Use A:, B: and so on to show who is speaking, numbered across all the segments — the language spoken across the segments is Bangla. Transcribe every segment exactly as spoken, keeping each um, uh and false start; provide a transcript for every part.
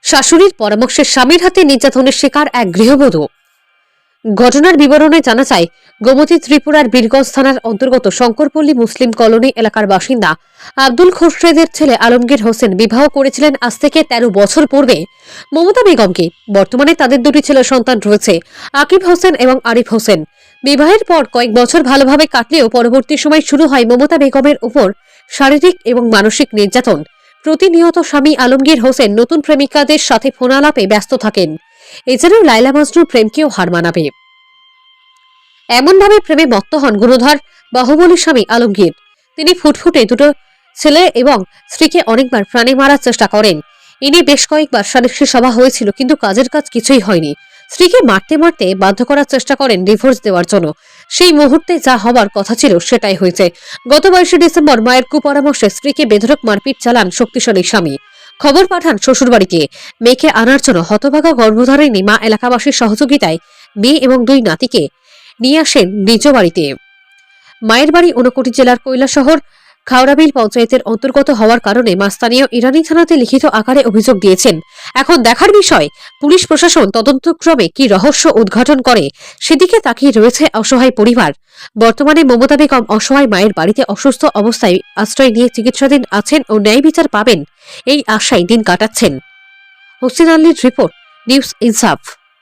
A: শাশুড়ির পরামর্শে স্বামীর হাতে নির্যাতনের শিকার এক গৃহবধূ। ঘটনার বিবরণে জানা যায়, গোমতী ত্রিপুরার বীরগঞ্জ থানার অন্তর্গত শঙ্করপল্লী মুসলিম কলোনি এলাকার বাসিন্দা আব্দুল খোরশেদের ছেলে আলমগীর হোসেন বিবাহ করেছিলেন আজ থেকে তেরো বছর পূর্বে মমতা বেগমকে। বর্তমানে তাদের দুটি ছেলে সন্তান রয়েছে, আকিব হোসেন এবং আরিফ হোসেন। বিবাহের পর কয়েক বছর ভালোভাবে কাটলেও পরবর্তী সময় শুরু হয় মমতা বেগমের উপর শারীরিক এবং মানসিক নির্যাতন। প্রতিনিয়ত স্বামী আলমগীর হোসেন নতুন প্রেমিকাদের সাথে ফোনালাপে ব্যস্ত থাকেন। এছাড়াও লাইলা মজনুর প্রেমকেও হার মানাবে এমনভাবে প্রেমে মত্ত হন গুণধর বাহুবলী স্বামী আলমগীর। তিনি ফুটফুটে দুটো ছেলে এবং স্ত্রীকে অনেকবার প্রাণে মারার চেষ্টা করেন। এ নিয়ে বেশ কয়েকবার সালিশি সভা হয়েছিল, কিন্তু কাজের কাজ কিছুই হয়নি। স্ত্রীকে মারতে মারতে বাধ্য করার চেষ্টা করেন ডিভোর্স দেওয়ার জন্য। সেই মুহূর্তে যা হবার কথা ছিল সেটাই হয়েছে। গত বাইশে ডিসেম্বর মায়ের কুপরামর্শে স্ত্রীকে বেধড়ক মারপিট চালান শক্তিশালী স্বামী। খবর পাঠান শ্বশুরবাড়িতে। মেয়েকে আনার জন্য হতভাগা গর্ভধারিণী মা এলাকাবাসীর সহযোগিতায় মেয়ে এবং দুই নাতিকে নিয়ে আসেন নিজ বাড়িতে। মায়ের বাড়ি ঊনকোটি জেলার কৈলাসহর খাওড়াবিল পঞ্চায়েতের অন্তর্গত হওয়ার কারণে মা স্থানীয় ইরানি থানাতে লিখিত আকারে অভিযোগ দিয়েছেন। এখন দেখার বিষয়, পুলিশ প্রশাসন তদন্তক্রমে কি রহস্য উদ্ঘাটন করে সেদিকে তাকিয়ে রয়েছে অসহায় পরিবার। বর্তমানে মমতা বেগম অসহায় মায়ের বাড়িতে অসুস্থ অবস্থায় আশ্রয় নিয়ে চিকিৎসাধীন আছেন ও ন্যায় বিচার পাবেন এই আশায় দিন কাটাচ্ছেন। হোসেন আলীর রিপোর্ট, নিউজ ইনসাফ।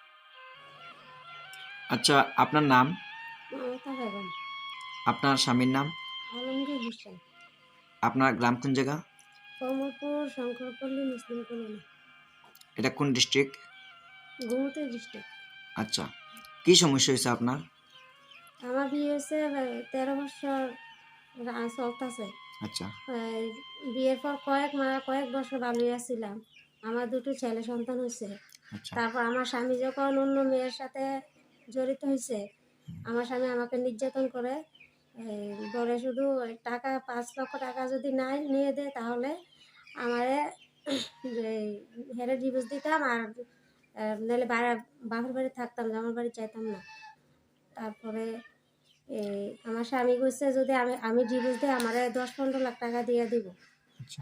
B: আচ্ছা, আপনার নাম?
C: মমতা বেগম।
B: আপনার স্বামীর নাম?
C: আলমগীর হোসেন।
B: আপনার গ্রাম কোন জায়গা?
C: কমলপুর শঙ্করপল্লী মুসলিম কলোনি,
B: এটা কোন ডিস্ট্রিক্ট?
C: গোমতী ডিস্ট্রিক্ট।
B: আচ্ছা, কি সমস্যা হয়েছে আপনার?
C: আমার বিয়ে হয়েছে তেরো বছর চলতেছে।
B: আচ্ছা
C: বিয়ের পর কয়েক মা কয়েক বছর ভালোই ছিলাম। আমার দুটো ছেলে সন্তান হয়েছে।
B: আচ্ছা
C: তারপর আমার স্বামী যখন অন্য মেয়ের সাথে জড়িত হয়েছে, আমার স্বামী আমাকে নির্যাতন করে। এই বলে শুধু টাকা পাঁচ লক্ষ টাকা যদি নাই নিয়ে দেয় তাহলে আমারে হেরে ডিভোর্স দিতাম, আর নাহলে বাপের বাড়ি থাকতাম, আমার বাড়ি চাইতাম না। তারপরে এই আমার স্বামী কইছে যদি আমি আমি ডিভোর্স দিই আমারে দশ পনেরো লাখ টাকা দিয়ে দিব।
B: আচ্ছা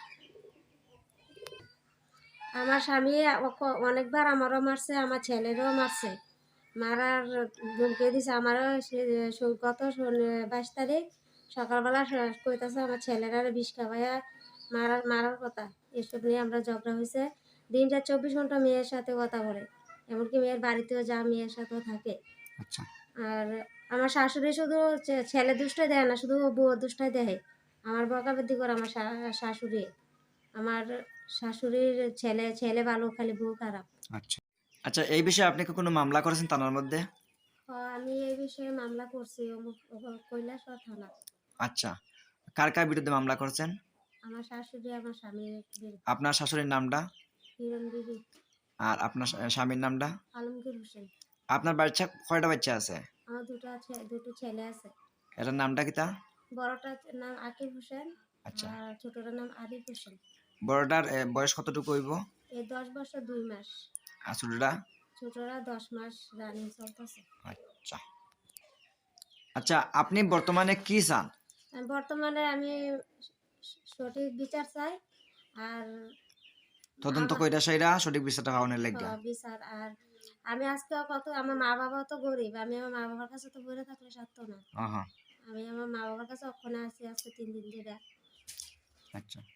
C: আমার স্বামী অনেকবার আমারও মারছে, আমার ছেলেরও মারছে, মারার ধমকি দিছে। আমারও গত বাইশ তারিখ সকালবেলা কইতাছে আমার ছেলেরা বিষ খাওয়াইয়া মারার মারার কথা। এসব নিয়ে আমরা ঝগড়া হয়েছে। দিনটা চব্বিশ ঘন্টা মেয়ের সাথে কথা বলে, এমনকি মেয়ের বাড়িতেও যা মেয়ের সাথেও থাকে।
B: আচ্ছা
C: আর আমার শাশুড়ি শুধু ছেলে দুষ্টাই দেয় না, শুধু বউ দুষ্টাই দেয়। আমার বকাবৃদ্ধি করে আমার শাশুড়ি। আমার শাশুড়ির ছেলে ছেলে ভালো, খালি বউ খারাপ।
B: আচ্ছা আচ্ছা এই বিষয়ে আপনি কি কোনো মামলা করেছেন থানার মধ্যে?
C: আমি এই বিষয়ে মামলা করছি কৈলাসহর থানা।
B: আচ্ছা, কার কার বিরুদ্ধে মামলা করেছেন?
C: আমার শাশুড়ি, আমার স্বামীর বিরুদ্ধে।
B: আপনার শাশুড়ির নামটা?
C: হিরণ বিবি।
B: আর আপনার স্বামীর নামটা?
C: আলমগীর হোসেন।
B: আপনার বাচ্চা কয়টা বাচ্চা আছে?
C: আমার দুটো আছে, দুটো ছেলে আছে।
B: এটার নামটা কি তা?
C: বড়টার নাম আকিব হোসেন।
B: আচ্ছা,
C: আর ছোটটার নাম আরিফ হোসেন।
B: বড়টার বয়স কতটুকু হইব?
C: এই দশ বছর দুই মাস।
B: আর ছোটটা?
C: ছোটরা দশ মাস রানিং চলতেছে।
B: আচ্ছা আচ্ছা আপনি বর্তমানে কি চান?
C: বর্তমানে আমি সঠিক বিচার চাই, আর
B: তদন্ত কইরা সাইরা সঠিক বিচারটা পাওয়ার লাগবে।
C: বিচার। আর আমি আজকে কত, আমার মা বাবা তো গরিব, আমি আমার মা বাবার কাছে তো ঘুরে থাকলে সাধ্য না।
B: হ্যাঁ
C: আমি আমার মা বাবার কাছে ওখানে আছি আজকে তিন দিন ধরে।
B: আচ্ছা।